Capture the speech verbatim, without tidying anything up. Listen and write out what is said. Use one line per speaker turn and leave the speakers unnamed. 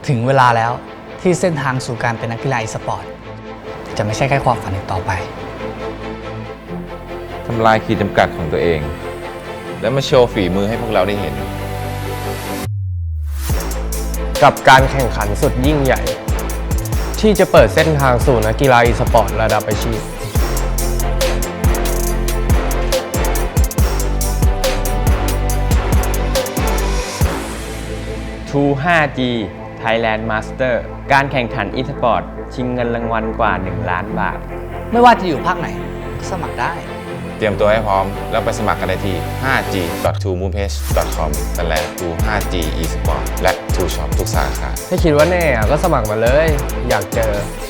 ถึงเวลาแล้วที่เส้นทางสู่การเป็นนักกีฬาอีสปอร์ตจะไม่ใช่แค่ความฝันอีกต่อไป
ทำลายขีดจำกัดของตัวเอง และมาโชว์ฝีมือให้พวกเราได้เห็น
กับการแข่งขันสุดยิ่งใหญ่ ที่จะเปิดเส้นทางสู่นักกีฬาอีสปอร์ตระดับอาชีพ ทู ไฟว์ จี Thailand Master การแข่งขันอีสปอร์ตชิงเงินรางวัลกว่า หนึ่ง ล้านบาท
ไม่ว่าจะอยู่ภาคไหนก็สมัครได้
เตรียมตัวให้พร้อมแล้วไปสมัครกันได้ที่ ไฟว์ จี ดอท ทู มูฟเพจ ดอท คอม สแลช ทู ไฟว์ จี อี สปอร์ต และ ทู ช็อป ทุกสาขา
ถ้าคิดว่าแน่อะก็สมัครมาเลย อยากเจอ